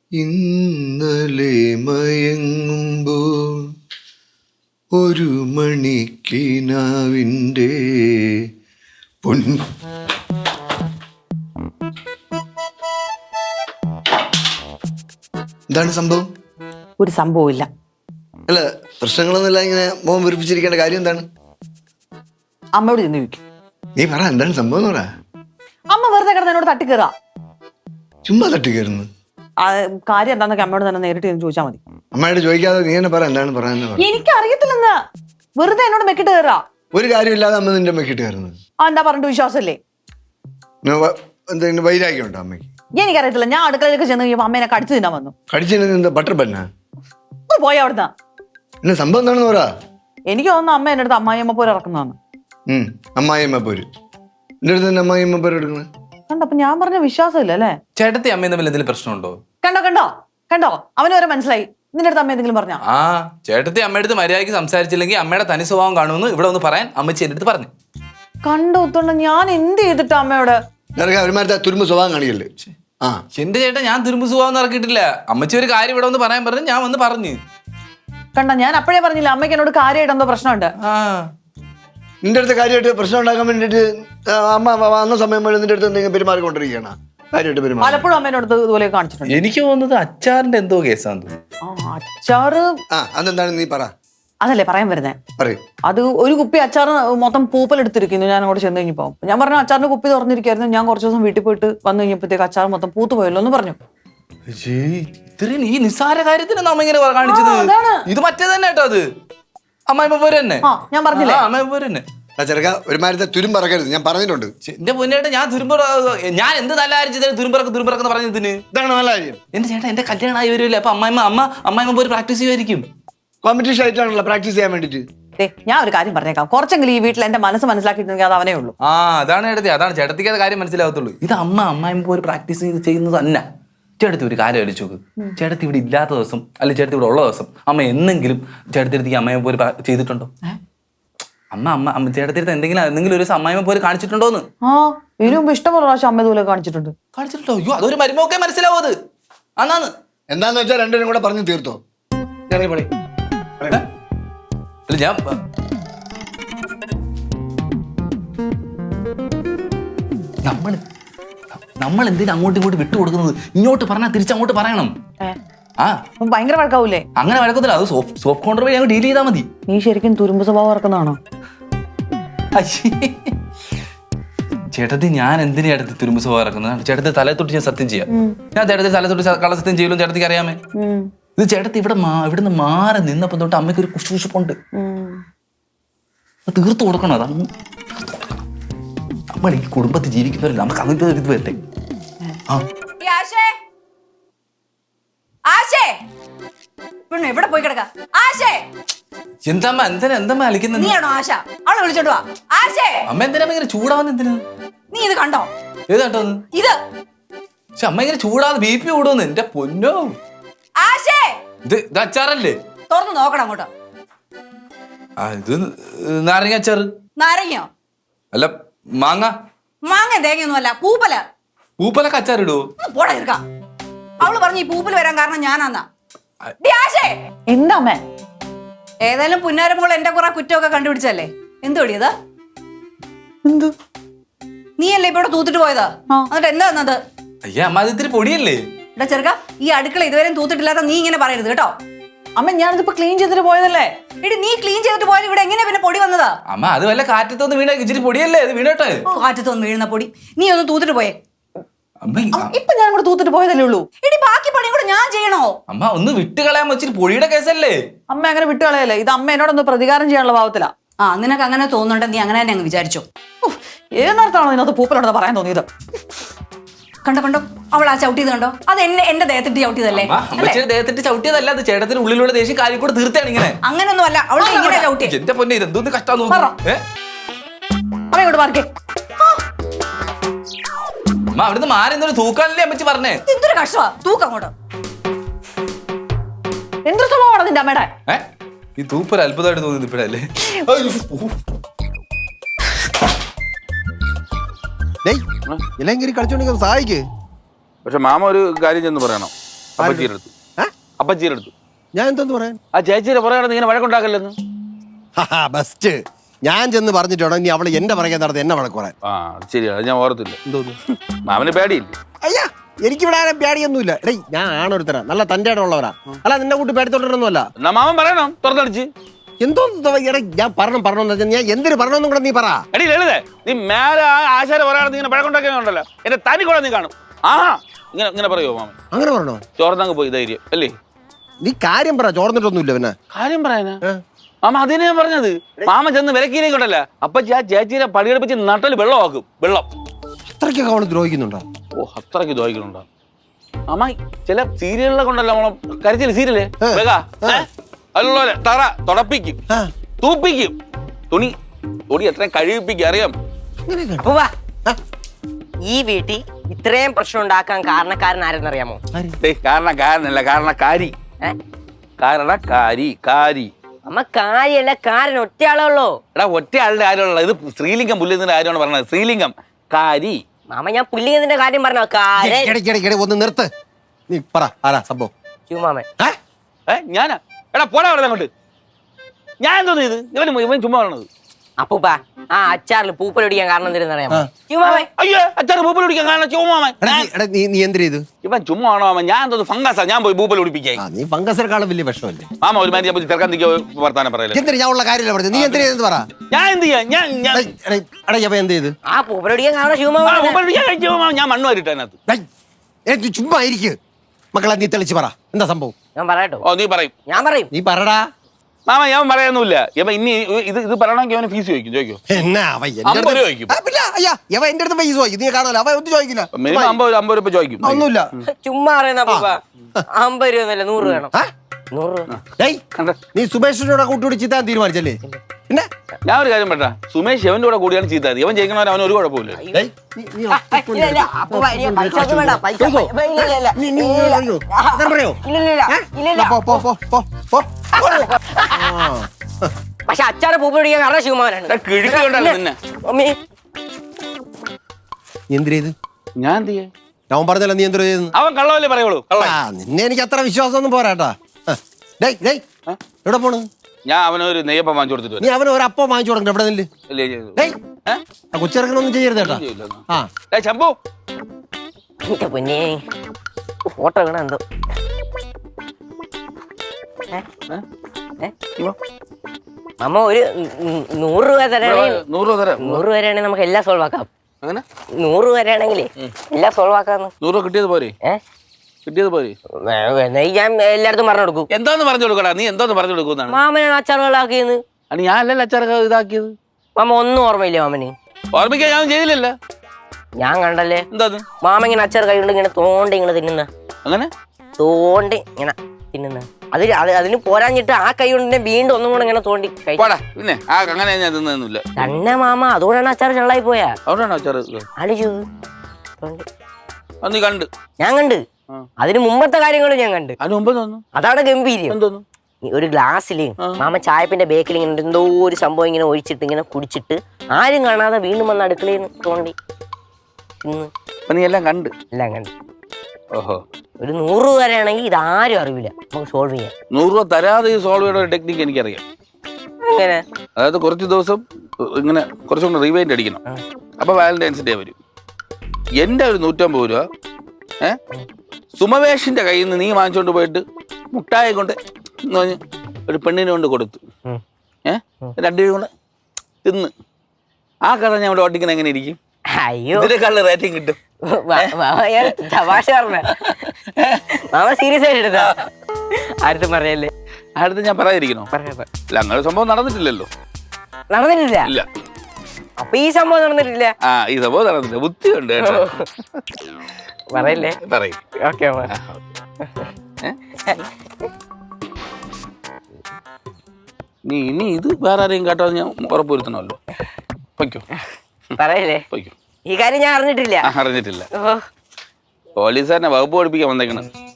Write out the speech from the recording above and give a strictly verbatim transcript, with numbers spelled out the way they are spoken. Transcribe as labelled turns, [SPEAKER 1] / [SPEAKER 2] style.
[SPEAKER 1] ഇന്നലെ മയങ്ങുമ്പോൾ ഒരു മണിക്കിനാവിൻ്റെ പൊൻ എന്താണ് സംഭവം?
[SPEAKER 2] ഒരു സംഭവമില്ല.
[SPEAKER 1] അല്ല, പ്രശ്നങ്ങളൊന്നുമില്ല. ഇങ്ങനെ മോൻ വെറുപ്പിച്ചിരിക്കേണ്ട കാര്യം എന്താണ്?
[SPEAKER 2] അമ്മയോട് ചെന്ന് ചോദിക്കും.
[SPEAKER 1] നീ പറ, എന്താണ് സംഭവം എന്ന് പറ.
[SPEAKER 2] അമ്മ വെറുതെ കിടന്ന് എന്നോട് തട്ടിക്കേറാ.
[SPEAKER 1] ചുമ്മാ തട്ടിക്കയറുന്നു.
[SPEAKER 2] കാര്യം എന്താന്നൊക്കെ അമ്മയോട് തന്നെ നേരിട്ട് ചെന്ന് ചോദിച്ചാൽ മതി.
[SPEAKER 1] അമ്മയോട് ചോദിക്കാതെ നീ തന്നെ പറ, എന്താണ് പറയാന്ന് പറ.
[SPEAKER 2] എനിക്ക് അറിയത്തില്ലെന്ന്. വെറുതെ എന്നോട് മെക്കിട്ട് കയറാ.
[SPEAKER 1] ഒരു കാര്യമില്ലാതെ അമ്മ നിന്റെ മെക്കിട്ട് കയറുന്നത്.
[SPEAKER 2] ആ എന്താ പറഞ്ഞിട്ട് വിശ്വാസമല്ലേ?
[SPEAKER 1] എന്തെങ്കിലും വൈരാഗ്യം ഉണ്ടോ അമ്മയ്ക്ക്?
[SPEAKER 2] എനിക്കറിയത്തില്ല. ഞാൻ അടുക്കളയിലേക്ക് ചെന്ന് കഴിയുമ്പോൾ അമ്മേനെ കടിച്ചു തിന്നാൻ വന്നു.
[SPEAKER 1] കടിച്ചു എന്താ ബട്ടർ ബന്നാ?
[SPEAKER 2] പോയി അവിടുന്ന്.
[SPEAKER 1] പിന്നെ സംഭവം എന്താണെന്ന് പറ.
[SPEAKER 2] എനിക്ക് തോന്നുന്നു അമ്മ എന്റെ അടുത്ത് അമ്മായിയമ്മ പോര് ഇറക്കുന്നതാണ്.
[SPEAKER 1] അമ്മായിയമ്മ പോര് എന്റെ അടുത്ത് തന്നെ അമ്മായിയമ്മ പോര് എടുക്കുന്നത്
[SPEAKER 2] കണ്ടോ? ഞാൻ പറഞ്ഞ വിശ്വാസമില്ല അല്ലേ?
[SPEAKER 3] ചേട്ടത്തി അമ്മയും തമ്മിൽ എന്തെങ്കിലും പ്രശ്നമുണ്ടോ?
[SPEAKER 2] കണ്ടോ കണ്ടോ കണ്ടോ അവന് വരെ മനസ്സിലായി. നിന്റെ അടുത്ത് അമ്മ എന്തെങ്കിലും പറഞ്ഞാ?
[SPEAKER 3] ആ ചേട്ടത്തി അമ്മയുടെ അടുത്ത് മര്യാദയ്ക്ക് സംസാരിച്ചില്ലെങ്കിൽ അമ്മയുടെ തനി സ്വഭാവം കാണുമെന്ന് ഇവിടെ ഒന്ന് പറയാൻ അമ്മച്ചി എന്റെ അടുത്ത് പറഞ്ഞു.
[SPEAKER 2] കണ്ടോ ഉത്തോണ്ട് ഞാൻ എന്ത് ചെയ്തിട്ടാ അമ്മയോട്?
[SPEAKER 1] ഒരുമാരത്തെ തുരുമ്പ് സ്വഭാവം കാണിക്കല്ലേ. ആ
[SPEAKER 3] എന്റെ ചേട്ടൻ ഞാൻ തുരുമ്പ് സ്വഭാവം ഇറക്കിയിട്ടില്ല. അമ്മച്ചി ഒരു കാര്യം ഇവിടെ ഒന്ന് പറയാൻ പറഞ്ഞു, ഞാൻ വന്ന് പറഞ്ഞു.
[SPEAKER 2] കണ്ട ഞാൻ അപ്പഴേ പറഞ്ഞില്ല അമ്മയ്ക്ക് എന്നോട് കാര്യമായിട്ട് എന്തോ പ്രശ്നമുണ്ട്.
[SPEAKER 3] ആ
[SPEAKER 1] നിന്റെ അടുത്ത് കാര്യമായിട്ട് പ്രശ്നം ഉണ്ടാക്കാൻ വേണ്ടിട്ട് അമ്മ വന്ന സമയം പോലെ നിന്റെ അടുത്ത് എന്തെങ്കിലും പെരുമാറിക്കൊണ്ടിരിക്കുകയാണ്. കാര്യമായിട്ട് പെരുമാറി
[SPEAKER 2] പലപ്പോഴും അമ്മേനോട് ഇതുപോലെ കാണിച്ചിട്ടുണ്ട്.
[SPEAKER 3] എനിക്ക് തോന്നുന്നത് അച്ചാറിന്റെ എന്തോ കേസാന്ന് തോന്നുന്നു.
[SPEAKER 2] ആ അച്ചാറ്.
[SPEAKER 1] ആ അതെന്താണ് നീ പറ.
[SPEAKER 2] അതല്ലേ പറയാൻ വരുന്നേ.
[SPEAKER 1] പറയൂ.
[SPEAKER 2] അത് ഒരു കുപ്പി അച്ചാറ് മൊത്തം പൂപ്പൽ എടുത്തിരിക്കുന്നു. ഞാൻ അങ്ങോട്ട് ചെന്ന് കഴിഞ്ഞപ്പോ ഞാൻ പറഞ്ഞു അച്ചാറിന്റെ കുപ്പി തുറന്നിരിക്കായിരുന്നു. ഞാൻ കുറച്ച് ദിവസം വീട്ടിൽ പോയിട്ട് വന്നു കഴിഞ്ഞപ്പോഴത്തേക്ക് അച്ചാർ മൊത്തം പൂത്തു പോയല്ലോ എന്ന് പറഞ്ഞു.
[SPEAKER 3] ഇത്രയും ഈ നിസ്സാര കാര്യത്തിനാണ് അമ്മ ഇങ്ങനെ കാണിച്ചത്. ഇത് മറ്റേ തന്നെ കേട്ടോ. അത് അമ്മായിമ്മ പോര് തന്നെ.
[SPEAKER 2] ഞാൻ പറഞ്ഞില്ലേ
[SPEAKER 3] അമ്മായിമ്മ പോര് തന്നെ.
[SPEAKER 1] ചെറുക്ക ഒരുമാരത്തെ തുരുമ്പറക്കരുത്, ഞാൻ പറഞ്ഞിട്ടുണ്ട്.
[SPEAKER 3] എന്റെ പൊന്നേട്ട ഞാൻ തുരുമ്പ് ഞാൻ എന്ത് നല്ല കാര്യം ചെയ്താലും തുരുമ്പറക്ക് തുരുമ്പറക്കെന്ന് പറഞ്ഞതിന്
[SPEAKER 1] ഇതാണ് നല്ല കാര്യം.
[SPEAKER 3] എന്റെ ചേട്ടാ എന്റെ കല്യാണം ആയി വരുമല്ലേ. അപ്പൊ അമ്മായിമ്മ അമ്മ അമ്മായിമ്മ പോര് പ്രാക്ടീസ് ചെയ്യുമായിരിക്കും.
[SPEAKER 1] കോമ്പറ്റീഷൻ ആയിട്ടാണല്ലോ പ്രാക്ടീസ് ചെയ്യാൻ വേണ്ടിട്ട്.
[SPEAKER 2] ഞാൻ ഒരു കാര്യം പറഞ്ഞേക്കാം. കുറച്ചെങ്കിലും ഈ വീട്ടിൽ എന്റെ മനസ്സ് മനസ്സിലാക്കിയിട്ടുണ്ടെങ്കിൽ അത് അവനേ ഉള്ളൂ.
[SPEAKER 3] ആ അതാണ് ചേട്ടത്തി, അതാണ് ചേട്ടത്തിക്ക് അത് കാര്യം മനസ്സിലാവത്തുള്ളൂ. ഇത് അമ്മ അമ്മായിമ്മ പോര് പ്രാക്ടീസ് ചെയ്ത് ചെയ്യുന്നത് തന്നെ. ചേട്ടത്തി ഒരു കാര്യം അടിച്ചു നോക്ക്. ചേട്ടത്തി ഇവിടെ ഇല്ലാത്ത ദിവസം അല്ലെങ്കിൽ ചേട്ടത്തി ഇവിടെ ഉള്ള ദിവസം അമ്മ എന്നെങ്കിലും ചേട്ടത്തി അടുത്തേക്ക് അമ്മയെ പോര് ചെയ്തിട്ടുണ്ടോ? അമ്മ അമ്മ അമ്മ ചേട്ടത്തി അടുത്ത് എന്തെങ്കിലും എന്തെങ്കിലും ഒരു അമ്മായിമ്മ പോര് കാണിച്ചിട്ടുണ്ടോന്ന്?
[SPEAKER 2] ആ ഇതിനു മുമ്പ് ഇഷ്ടംപോലെ പ്രാവശ്യം അമ്മ ഇതുപോലെ കാണിച്ചിട്ടുണ്ട്.
[SPEAKER 3] കാണിച്ചിട്ടുണ്ടോ? അയ്യോ അതൊരു മരുമോക്കെ മനസ്സിലാവും. അത് അന്നാന്ന്
[SPEAKER 1] എന്താന്ന് വെച്ചാൽ രണ്ടുപേരും കൂടെ പറഞ്ഞു തീർത്തോ.
[SPEAKER 3] അല്ല ഞാൻ നമ്മൾ നമ്മൾ എന്തിനാ അങ്ങോട്ടും ഇങ്ങോട്ട് വിട്ടു കൊടുക്കുന്നത്? ഇങ്ങോട്ട് പറഞ്ഞാൽ തിരിച്ചങ്ങോട്ട് പറയണം. ആ
[SPEAKER 2] ഭയങ്കര വഴക്കാവൂലേ?
[SPEAKER 3] അങ്ങനെ വഴക്കത്തില്ല. അത് സോഫ്റ്റ് കോൺട്ര വഴി ഞങ്ങൾ ഡീൽ ചെയ്താൽ മതി.
[SPEAKER 2] നീ ശരിക്കും തുരുമ്പ് സ്വഭാവം ഇറക്കുന്നതാണോ?
[SPEAKER 3] ചേട്ടത്തി ഞാൻ എന്തിനാ ചേട്ടത്തി തുരുമ്പ് സ്വഭാവം ഇറക്കുന്നത്? ചേട്ടത്തി തലേ തൊട്ട് ഞാൻ സത്യം ചെയ്യാം. ഞാൻ ചേട്ടത്തി തലേ തൊട്ട് കള്ളസത്യം ചെയ്യലും ചേട്ടത്തിക്ക് അറിയാമേ. ഇത് ചേട്ടത്തി ഇവിടെ ഇവിടുന്ന് മാറി നിന്നപ്പോ തൊട്ട് അമ്മയ്ക്ക് ഒരു കുശുകുശുപ്പുണ്ട്. തീർത്തു കൊടുക്കണം. അതാണ് നമ്മൾ ഈ കുടുംബത്തിൽ ജീവിക്കുന്നവരല്ല. നമുക്ക് അങ്ങനത്തെ ഒരു ഇത് വരട്ടെ.
[SPEAKER 4] എവിടെ പോയി കിടക്ക? ആശേ
[SPEAKER 3] എന്തമ്മ എന്തിനാ എന്തമ്മ അലിക്കുന്നത്?
[SPEAKER 4] നീയാണോ ആശ? അവളെ വിളിച്ചോണ്ട് വാ. ആശേ
[SPEAKER 3] അമ്മ എന്തിനാ ഇങ്ങനെ ചൂടാവുന്ന? എന്തിനാ?
[SPEAKER 4] നീ ഇത് കണ്ടോ?
[SPEAKER 3] ഏത് കേട്ടോ
[SPEAKER 4] ഇത്?
[SPEAKER 3] പക്ഷെ അമ്മ ഇങ്ങനെ ചൂടാതെ ബി പി കൂടുന്നു. എന്റെ പൊന്നോ.
[SPEAKER 4] ആശേ
[SPEAKER 3] ഇത് ഇത് അച്ചാറല്ലേ?
[SPEAKER 4] തുറന്നു നോക്കണം അങ്ങോട്ട്.
[SPEAKER 3] ആ ഇത് നാരങ്ങ അച്ചാറ്.
[SPEAKER 4] നാരങ്ങയോ?
[SPEAKER 3] അല്ല മാങ്ങ.
[SPEAKER 4] മാങ്ങ തേങ്ങയൊന്നും അല്ല, പൂപ്പല.
[SPEAKER 3] പൂപ്പലൊക്കെ അച്ചാറിടുവോ?
[SPEAKER 4] പോടാ തീർക്ക. അവള് പറഞ്ഞു ഈ പൂപ്പല് വരാൻ കാരണം ഞാനാന്നാ.
[SPEAKER 2] എന്താ അമ്മേ?
[SPEAKER 4] ഏതായാലും പുന്നാരമോൾ എന്റെ കുറെ കുറ്റമൊക്കെ കണ്ടുപിടിച്ചല്ലേ. എന്തുപടിയത്?
[SPEAKER 2] എന്ത്?
[SPEAKER 4] നീയല്ലേ ഇപ്പൊ ഇവിടെ തൂത്തിട്ട് പോയതാ? എന്നിട്ട് എന്താ തന്നത്?
[SPEAKER 3] അയ്യ അമ്മ അത് ഇത്തിരി പൊടിയല്ലേ.
[SPEAKER 4] എടാ ചെറുക്ക, ഈ അടുക്കള ഇതുവരെയും തൂത്തിട്ടില്ലാത്ത നീ ഇങ്ങനെ പറയരുത് കേട്ടോ.
[SPEAKER 2] അമ്മ ഞാനിതിപ്പോ ക്ലീൻ ചെയ്തിട്ട് പോയതല്ലേ.
[SPEAKER 4] എടി നീ ക്ലീൻ ചെയ്തിട്ട് പോയാൽ ഇവിടെ എങ്ങനെ പിന്നെ പൊടി വന്നതാ?
[SPEAKER 3] അമ്മ അത് വല്ല കാറ്റത്തൊന്ന് വീണ ഇച്ചിരി പൊടിയല്ലേ. അത് വീണോട്ടെ.
[SPEAKER 4] കാറ്റത്തൊന്ന് വീഴുന്ന പൊടി. നീ ഒന്ന് തൂത്തിട്ട് പോയേ.
[SPEAKER 2] ഇപ്പൊ ഞാൻ കൂടെ തൂത്തിട്ട് പോയതല്ലേ ഉള്ളൂ.
[SPEAKER 4] എടി ബാക്കി പണിയും കൂടെ ഞാൻ ചെയ്യണോ?
[SPEAKER 3] അമ്മ ഒന്ന് വിട്ട് കളയാൻ വെച്ചിട്ട് പൊടിയുടെ കേസല്ലേ.
[SPEAKER 2] അമ്മ അങ്ങനെ വിട്ട് കളയല്ലേ. ഇത് അമ്മ എന്നോടൊന്ന് പ്രതികാരം ചെയ്യാനുള്ള ഭാവത്തിലാ.
[SPEAKER 4] ആ നിനക്ക് അങ്ങനെ തോന്നുന്നുണ്ട്. നീ അങ്ങനെ തന്നെ അങ്ങ് വിചാരിച്ചോ.
[SPEAKER 2] ഏത് നേരത്താണോ ഇതിനകത്ത് പൂപ്പലുണ്ടെന്ന് പറയാൻ തോന്നിയത്?
[SPEAKER 4] കണ്ടോ കണ്ടോ അവൾ ആ ചവിട്ടിയത് കണ്ടോ? അത് എന്നെ എന്റെ ദേഹത്തിട്ട് ചവിട്ടിയതല്ലേ?
[SPEAKER 3] ദേഹത്തിട്ട് ചവിട്ടിയതല്ല. അത് ചേട്ടത്തിന് ഉള്ളിലുള്ള ദേഷ്യം കാര്യം കൂടെ തീർത്താണ് ഇങ്ങനെ.
[SPEAKER 4] അങ്ങനൊന്നും അല്ല. അവൾ ഇങ്ങനെ ചവിട്ടി.
[SPEAKER 3] എന്റെ പൊന്നെ ഇത് എന്തോന്ന് കഷ്ടം.
[SPEAKER 2] അമ്മ ഇങ്ങോട്ട് മാറിക്കേ.
[SPEAKER 3] അമ്മ അവിടുന്ന് മാറി എന്നൊരു തൂക്കാനല്ലേ അമ്മച്ചി പറഞ്ഞേ.
[SPEAKER 4] എന്തൊരു കഷ്ടമാ. തൂക്കം അങ്ങോട്ട്.
[SPEAKER 2] എന്തൊരു സ്വഭാവമാണ് നിന്റെ അമ്മയുടെ?
[SPEAKER 3] ഏഹ് ഈ തൂപ്പൊരു അത്ഭുതമായിട്ട് തോന്നുന്നു ഇപ്പഴല്ലേ.
[SPEAKER 5] ഇല്ലെങ്കിൽ കളിച്ചോണ്ടിരിക്കാൻ സഹായിക്ക്.
[SPEAKER 6] പക്ഷെ മാമ ഒരു കാര്യം ചെന്ന് പറയണം.
[SPEAKER 3] അപ്പച്ചിയുടെ അടുത്ത് അപ്പച്ചിയുടെ അടുത്ത്
[SPEAKER 5] ഞാൻ എന്തോന്ന് പറയാൻ?
[SPEAKER 3] ആ ചേച്ചിയുടെ പുറകെ നീ ഇങ്ങനെ വഴക്കുണ്ടാക്കല്ലെന്ന്.
[SPEAKER 5] ബെസ്റ്റ്. ഞാൻ ചെന്ന് പറഞ്ഞിട്ടാണോ നീ അവള് എന്റെ പുറകെ നടത്തി എന്നെ വഴക്ക് പറയാൻ?
[SPEAKER 3] ആ ശരിയാണ്, ഞാൻ ഓർത്തില്ല.
[SPEAKER 5] എന്തോന്നു?
[SPEAKER 3] മാമന് പേടിയില്ല?
[SPEAKER 5] അയ്യാ, എനിക്കിവിടെ ആരും പേടിയൊന്നുമില്ല. എടേ, ഞാൻ ആണൊരുത്തരാ, നല്ല തന്റെ ഇടമുള്ളവരാ. അല്ല നിന്നെ കൂട്ടി പേടിത്തോണ്ടൊന്നുമല്ല.
[SPEAKER 3] എന്നാ മാമൻ പറയണം തുറന്നടിച്ച്.
[SPEAKER 5] എന്തോ എടേ, ഞാൻ പറഞ്ഞു പറഞ്ഞോന്ന് വെച്ചാൽ ഞാൻ എന്തിനു പറഞ്ഞോന്നും കൂടെ നീ പറ.
[SPEAKER 3] എടി ലളിതേ, നീ മേലെ ആശാര പറയാതെ നീ ഇങ്ങനെ പഴക്കൊണ്ടാക്കിയുണ്ടല്ലോ, എന്റെ തനി കൂടെ നീ കാണും. ആഹാ ഇങ്ങനെ ഇങ്ങനെ പറയുമോ മാമൻ?
[SPEAKER 5] അങ്ങനെ പറഞ്ഞോ?
[SPEAKER 3] ചോർന്നങ്ങ് പോയി ധൈര്യം അല്ലേ?
[SPEAKER 5] നീ കാര്യം പറ, ചോർന്നിട്ടൊന്നുമില്ല പിന്നെ.
[SPEAKER 3] കാര്യം പറയാനാ മാമ? അതിനെ ഞാൻ പറഞ്ഞത്. മാമ ചെന്ന് വിലക്കിയിലേക്കുണ്ടല്ലോ, അപ്പച്ചി ആ ചേച്ചിനെ പടിയെടുപ്പിച്ച് നട്ടല് വെള്ളമാക്കും. വെള്ളം
[SPEAKER 5] അത്രയ്ക്കൊക്കെ അവള് ദ്രോഹിക്കുന്നുണ്ടോ?
[SPEAKER 3] ഓ അത്രയ്ക്ക് ദ്രോഹിക്കുന്നുണ്ടോ മാമ? ചില സീരിയലുകളെ കൊണ്ടല്ലോ നമ്മളെ കരച്ചില് സീരിയല് അതുപോലെ തറ തുടപ്പിക്കും, തൂപ്പിക്കും, തുണി തുണി എത്രയും കഴിവിപ്പിക്കും. അറിയാം
[SPEAKER 6] ഉവ്വ. ഈ വീട്ടിൽ ഇത്രയും പ്രശ്നം ഉണ്ടാക്കാൻ കാരണക്കാരൻ ആരെന്നറിയാമോ?
[SPEAKER 3] കാരണക്കാരനല്ല, കാരണക്കാരി. കാരണക്കാരി കാരി
[SPEAKER 6] അമ്മ കാര്യല്ല, കാരൻ ഒറ്റ ആളേ ഉള്ളൂ.
[SPEAKER 3] എടാ ഒറ്റ ആളുടെ കാര്യമുള്ള ഇത് സ്ത്രീലിംഗം പുല്ലുന്നതിന്റെ കാര്യമാണ് പറഞ്ഞത്. സ്ത്രീലിംഗം കാരി.
[SPEAKER 6] മാമ ഞാൻ പുല്ലിംഗത്തിന്റെ കാര്യം പറഞ്ഞോ. കാരൻ
[SPEAKER 5] ഇടയ്ക്കിടയ്ക്കിടെ ഒന്ന് നിർത്ത്. നീ പറ ആരാ സംഭവം?
[SPEAKER 6] ചുമ്മാമൻ.
[SPEAKER 3] ഏ ഞാനാ? എടാ പോടാ അവിടെ അങ്ങോട്ട്. ഞാൻ എന്തോന്ന് ഇത്? ഇവൻ ഇവൻ ചുമ്മാ പറയണത്.
[SPEAKER 6] അപ്പൂപ്പ ആ അച്ചാറിൽ പൂപ്പലൊടിക്കാൻ കാരണം എന്തിനെന്നറിയാമോ? ചുമ്മാമൻ.
[SPEAKER 3] അയ്യോ അച്ചാറ് പൂപ്പൽ പിടിക്കാൻ കാരണം ചുമ്മാമൻ.
[SPEAKER 5] നീ നീ എന്തിനാ ഇത്?
[SPEAKER 3] ഇവൻ ചുമ്മാ ആണോ മാമൻ? ഞാൻ എന്തോ ഫംഗസാ, ഞാൻ പോയി പൂപ്പൽ പിടിപ്പിക്കാൻ.
[SPEAKER 5] ആ, നീ ഫംഗസിനെക്കാളും വലിയ വിഷമല്ലേ
[SPEAKER 3] മാമ ഒരു മാതിരി ഞാൻ തിരക്കാൻ നിൽക്കുക വർത്താനം പറയല്ലേ.
[SPEAKER 5] എന്തിനാ ഞാൻ ഉള്ള കാര്യമല്ല പറഞ്ഞത്. നീ എന്തിനാ ഇത് പറ.
[SPEAKER 3] ഞാൻ എന്ത് ചെയ്യാ? ഞാൻ ഞാൻ
[SPEAKER 5] എടാ ഇവ എന്ത് ചെയ്ത്?
[SPEAKER 6] ആ പൂപ്പലൊടിക്കാൻ കാരണം
[SPEAKER 3] ആ,
[SPEAKER 6] ശിവമാമൻ.
[SPEAKER 3] പൂപ്പൽ പിടിക്കാൻ കഴിച്ചു മാമ. ഞാൻ മണ്ണ് വാരിട്ട് അതിനകത്ത്.
[SPEAKER 5] ഡേയ്, ഏയ്, നീ ചുമ്മാ ഇരിക്ക് മക്കളെ. നീ തെളിച്ച് പറ, എന്താ സംഭവം?
[SPEAKER 6] ഞാൻ പറയട്ടോ?
[SPEAKER 3] ഓ നീ പറയും.
[SPEAKER 6] ഞാൻ പറയും.
[SPEAKER 5] നീ പറടാ.
[SPEAKER 3] മാമ ഞാൻ പറയാനൊന്നുമില്ല. ഇവ ഇനി ഇത് ഇത് പറയണമെങ്കിൽ അവന് ഫീസ് ചോദിക്കും. ചോദിക്കോ?
[SPEAKER 5] എന്നാ അവ എന്റെ
[SPEAKER 3] അമ്പത് രൂപ
[SPEAKER 5] അടുത്ത്
[SPEAKER 3] ചോദിക്കും.
[SPEAKER 5] ആ, പിന്നെ അയ്യാ യവ എന്റെ അടുത്ത് പൈസ ചോദിക്കും. നീ കാണുമല്ലോ, അവ ഒന്നും ചോദിക്കില്ല.
[SPEAKER 3] മിനിമം അമ്പത് അമ്പത് രൂപ ചോദിക്കും.
[SPEAKER 5] ഒന്നുമില്ല.
[SPEAKER 6] ചുമ്മാ പറയുന്ന അപ്പൂപ്പ. അമ്പത് രൂപ ഒന്നല്ല, നൂറ് വേണം.
[SPEAKER 5] ആ?
[SPEAKER 6] നൂറ് രൂപ.
[SPEAKER 5] ഡേയ്, നീ സുബേഷിനോടെ കൂട്ടുപിടിച്ച് താൻ തീരുമാനിച്ചല്ലേ? പിന്നെ
[SPEAKER 3] ഞാൻ ഒരു കാര്യം പറ്റാ, സുമേഷ് എവന്റെ കൂടെ കൂടിയാണ് ചീത്ത. ഇവൻ ജയിക്കണവൻ അവന് ഒരു കുഴപ്പമില്ല.
[SPEAKER 5] ഡേയ്, നീ- നീ
[SPEAKER 6] ആ, ഇല്ല, ഇല്ല, അപ്പൂപ്പ, ഇനി പൈസ ഒന്നും വേണ്ട. പൈസ
[SPEAKER 5] ചോദിക്കോ?
[SPEAKER 6] ഇല്ല, ഇല്ല, ഇല്ല, ഇല്ല.
[SPEAKER 5] നീ- നീ
[SPEAKER 6] ഇല്ല,
[SPEAKER 5] ചോദിക്കോ? അതാണ് പറയോ?
[SPEAKER 6] ഇല്ല, ഇല്ല, ഇല്ല. ഇല്ല, ഇല്ല.
[SPEAKER 5] പോ, പോ, പോ, പോ, പോ. ആ.
[SPEAKER 6] പക്ഷെ അച്ചാറ് പൂപ്പലൊടിക്കാൻ കാരണം ശിവമാമനാണ്.
[SPEAKER 3] കിഴിക്കുണ്ടല്ലോ നിന്നെ.
[SPEAKER 6] മമ്മി
[SPEAKER 5] നീ എന്തിനാ ഇത്?
[SPEAKER 3] ഞാൻ എന്ത് ചെയ്യാ?
[SPEAKER 5] ഞാൻ പറഞ്ഞല്ലോ നീ എന്തിനാ ചെയ്തെന്ന്.
[SPEAKER 3] അവൻ കള്ളവല്ലേ പറയുള്ളൂ. കള്ള
[SPEAKER 5] ആ, നിന്നെ എനിക്ക് അത്ര വിശ്വാസമൊന്നും പോരാട്ടാ. ആ. ഡേയ്, ഡേയ്, എവിടെ പോണ്?
[SPEAKER 3] ഞാൻ അവനൊരു നെയ്യപ്പം വാങ്ങിച്ചു കൊടുത്തിട്ട്
[SPEAKER 5] നീ അവന് ഒരു അപ്പം വാങ്ങിച്ചു കൊടുക്കണ്ട. എവിടെ നില്ല്.
[SPEAKER 3] വരാം.
[SPEAKER 5] ഡേയ്, ആ കൊച്ചിറക്കണൊന്നും ചെയ്യരുത് കേട്ടാ. ആ,
[SPEAKER 3] ശംഭു
[SPEAKER 6] എന്റെ പൊന്നേ, ഫോട്ടോ കാണാൻ എന്തോ. ഏ? ഏ? അമ്മ ഒരു ന- നൂറ് രൂപ തരാണെങ്കിൽ
[SPEAKER 3] നൂറ് രൂപ തരാം.
[SPEAKER 6] നൂറ് രൂപ തരാണെങ്കിൽ നമുക്ക് എല്ലാം സോൾവ് ആക്കാം.
[SPEAKER 3] അങ്ങനെ
[SPEAKER 6] നൂറ് രൂപ തരാണെങ്കിലേ എല്ലാം സോൾവ് ആക്കാന്ന്.
[SPEAKER 3] നൂറ് രൂപ കിട്ടിയത് പോരെ?
[SPEAKER 6] ഏഹ്
[SPEAKER 3] കിട്ടിയത് പോരെ?
[SPEAKER 6] ഞാൻ എല്ലായിടത്തും പറഞ്ഞു കൊടുക്കും.
[SPEAKER 3] എന്താന്ന് പറഞ്ഞു കൊടുക്കടാ? നീ എന്തോന്ന് പറഞ്ഞു കൊടുക്കുന്നാണ്?
[SPEAKER 6] മാമനാണ് അച്ചാറുകളാക്കിയെന്ന്.
[SPEAKER 3] അനി ഞാൻ അല്ലല്ലോ അച്ചാറൊക്കെ ഇതാക്കിയത്.
[SPEAKER 6] മാമ ഒന്നും ഓർമ്മയില്ലേ മാമന്?
[SPEAKER 3] ഓർമ്മിക്കാൻ ഞാൻ ചെയ്തില്ലല്ലോ.
[SPEAKER 6] ഞാൻ കണ്ടല്ലേ
[SPEAKER 3] എന്താന്ന്?
[SPEAKER 6] മാമ ഇങ്ങനെ അച്ചാർ കൈ കൊണ്ട് ഇങ്ങനെ തോണ്ടി ഇങ്ങനെ തിന്നുന്ന.
[SPEAKER 3] അങ്ങനെ
[SPEAKER 6] തോണ്ടി ഇങ്ങനെ തിന്നുന്ന. അത് അത് അതിന് പോരാഞ്ഞിട്ട് ആ കൈ കൊണ്ട് തന്നെ വീണ്ടും ഒന്നും കൂടെ ഇങ്ങനെ തോണ്ടി കഴിച്ചു.
[SPEAKER 3] പോടാ പിന്നെ. ആ അങ്ങനെ ഞാൻ തിന്നൊന്നുമില്ല.
[SPEAKER 6] തന്നെ മാമ അതുകൊണ്ടാണ് അച്ചാർ ചള്ളായി പോയാ.
[SPEAKER 3] അതുകൊണ്ടാണ് അച്ചാറ്
[SPEAKER 6] അടിച്ചു തോണ്ടി.
[SPEAKER 3] അത് നീ കണ്ട്?
[SPEAKER 6] ഞാൻ കണ്ട്. അതിന് മുമ്പത്തെ കാര്യങ്ങളും ഞാൻ കണ്ട്.
[SPEAKER 3] അതിന് മുമ്പ് തോന്നുന്നു.
[SPEAKER 6] അതാണ് ഗംഭീര്യം.
[SPEAKER 3] എന്തോന്നു?
[SPEAKER 6] ഈ ഒരു ഗ്ലാസ്സില് മാമ ചായപ്പിന്റെ ബേക്കിൽ ഇങ്ങനെ എന്തോ ഒരു സംഭവം ഇങ്ങനെ ഒഴിച്ചിട്ട് ഇങ്ങനെ കുടിച്ചിട്ട് ആരും കാണാതെ വീണ്ടും വന്ന് അടുക്കളയിൽ നിന്ന് തോണ്ടി തിന്ന്.
[SPEAKER 3] അപ്പൊ നീ എല്ലാം കണ്ട്?
[SPEAKER 6] എല്ലാം കണ്ട്.
[SPEAKER 3] ഓഹോ.
[SPEAKER 6] ഒരു നൂറ് രൂപ വരെയാണെങ്കിൽ ഇതാരും അറിവില്ല, നമുക്ക് സോൾവ് ചെയ്യാം.
[SPEAKER 3] നൂറ് രൂപ തരാതെ ഈ സോൾവ് ചെയ്യുന്ന ഒരു ടെക്നിക്ക് എനിക്കറിയാം.
[SPEAKER 6] അങ്ങനെ
[SPEAKER 3] അതായത് കുറച്ച് ദിവസം ഇങ്ങനെ കുറച്ചും കൂടെ റിവൈൻഡ് അടിക്കണം. അപ്പൊ വാലന്റൈൻസ് ഡേ വരും. എൻ്റെ ഒരു നൂറ്റമ്പത് രൂപ ഏ സുമവേഷിന്റെ കയ്യിൽ നിന്ന് നീ വാങ്ങിച്ചോണ്ട് പോയിട്ട് മുട്ടായി കൊണ്ട് എന്ന് പറഞ്ഞ് ഒരു പെണ്ണിനെ കൊണ്ട് കൊടുത്തു. ഏഹ് രണ്ടുപേരും കൊണ്ട് തിന്ന്. ആ കഥ ഞാൻ ഇവിടെ ഓട്ടിക്കുന്ന എങ്ങനെ ഇരിക്കും?
[SPEAKER 6] അയ്യോ
[SPEAKER 3] ഇതിനേക്കാളും റേറ്റിംഗ് കിട്ടും.
[SPEAKER 6] തമാശ പറഞ്ഞ മാമ സീരിയസ് ആയിട്ട് എടുത്താ. ആരും പറയല്ലേ.
[SPEAKER 3] അടുത്ത് ഞാൻ പറയാതിരിക്കണോ? അല്ല അങ്ങനെ സംഭവം നടന്നിട്ടില്ലല്ലോ.
[SPEAKER 6] നടന്നിട്ടില്ല.
[SPEAKER 3] ഇല്ല.
[SPEAKER 6] അപ്പൊ ഈ സംഭവം നടന്നിട്ടില്ല.
[SPEAKER 3] ആ ഈ സംഭവം നടന്നില്ല. ബുദ്ധിയുണ്ട് കേട്ടോ.
[SPEAKER 6] പറയല്ലേ.
[SPEAKER 3] പറയും.
[SPEAKER 6] ഓക്കെ.
[SPEAKER 3] നീ ഇനി ഇത് വേറെ ആരെയും കേട്ടോ ഞാൻ ഉറപ്പുവരുത്തണമല്ലോ. പൊയ്ക്കോ
[SPEAKER 6] പറയല്ലേ.
[SPEAKER 3] പൊയ്ക്കോ.
[SPEAKER 6] ഈ കാര്യം ഞാൻ അറിഞ്ഞിട്ടില്ല.
[SPEAKER 3] അറിഞ്ഞിട്ടില്ല. പോലീസുകാരനെ വകുപ്പ് പഠിപ്പിക്കാൻ വന്നേക്കണം.